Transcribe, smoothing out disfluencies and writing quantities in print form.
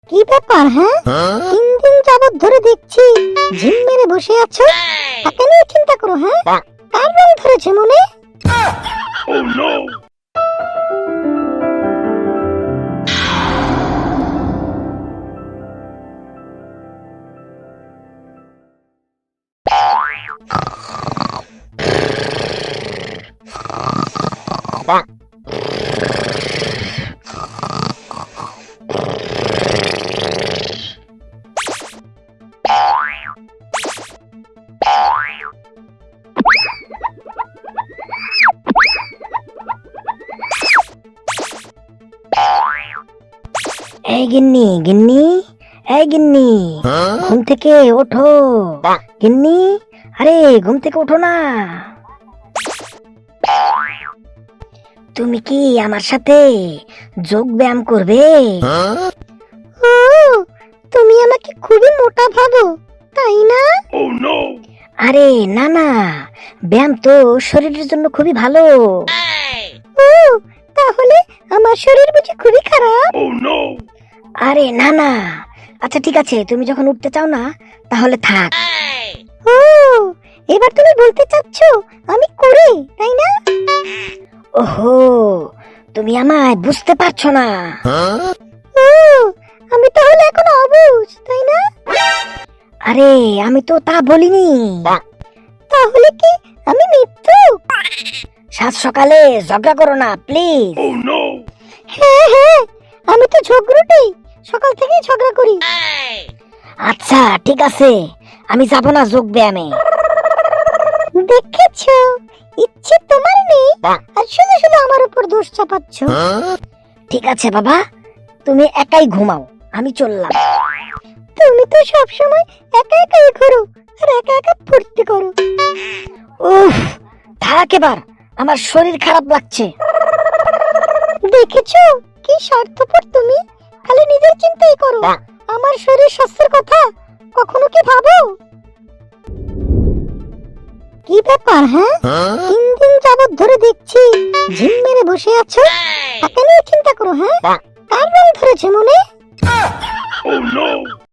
কি ব্যাপার? হ্যাঁ, 3 দিন যাবত ধরে দেখছি ঝিম মেরে বসে আছো। তাকে নিয়ে চিন্তা করো। হ্যাঁ, কার রং ধরেছে মনে? এই গিন্নি, গিন্নি, এই গিন্নি, ঘুম থেকে ওঠো। গিন্নি, আরে ঘুম থেকে ওঠো না। তুমি কি আমার সাথে যোগ ব্যায়াম করবে? ও, তুমি আমাকে খুবই মোটা ভাবো, তাই না? আরে না না, ব্যায়াম তো শরীরের জন্য খুবই ভালো। ও, তাহলে আমার শরীর বুঝি খুবই খারাপ? আরে না না, আচ্ছা ঠিক আছে, তুমি যখন উঠতে চাও না তাহলে থাক। ও, এবার তুমি বলতে চাচ্ছ আমি করি, তাই না? ওহো, তুমি আমায় বুঝতে পারছো না। ও, আমি তাহলে এখন অবুঝ, তাই না? আরে আমি তো তা বলিনি। তাহলে কি আমি মিথ্যুক? সাত সকালে ঝগড়া করো না প্লিজ। হ্যাঁ হ্যাঁ, আমি তো ঝগড়ুটেই, সকাল থেকেই ঝগড়া করি। আচ্ছা ঠিক আছে, আমি যাব না যোগ ব্যায়ামে। দেখেছো, ইচ্ছে তোমার নেই আর শুধু শুধু আমার উপর দোষ চাপাচ্ছ। ঠিক আছে বাবা, তুমি একাই ঘুমাও, আমি চললাম। তুমি তো সব সময় একা একাই ঘোরো আর একা একা ফুর্তি করো। উফ, থাক এবার, আমার শরীর খারাপ লাগছে। দেখেছো কি স্বার্থপর তুমি, খালি নিজের চিন্তাই করো, আমার শরীর স্বাস্থ্যের কথা কখনো কি ভাবো? কি ব্যাপার? হ্যাঁ, 3 দিন যাবত ধরে দেখছি ঝিম মেরে বসে আছো। তাকে নিয়ে চিন্তা করো। হ্যাঁ, কার রং ধরেছে মনে?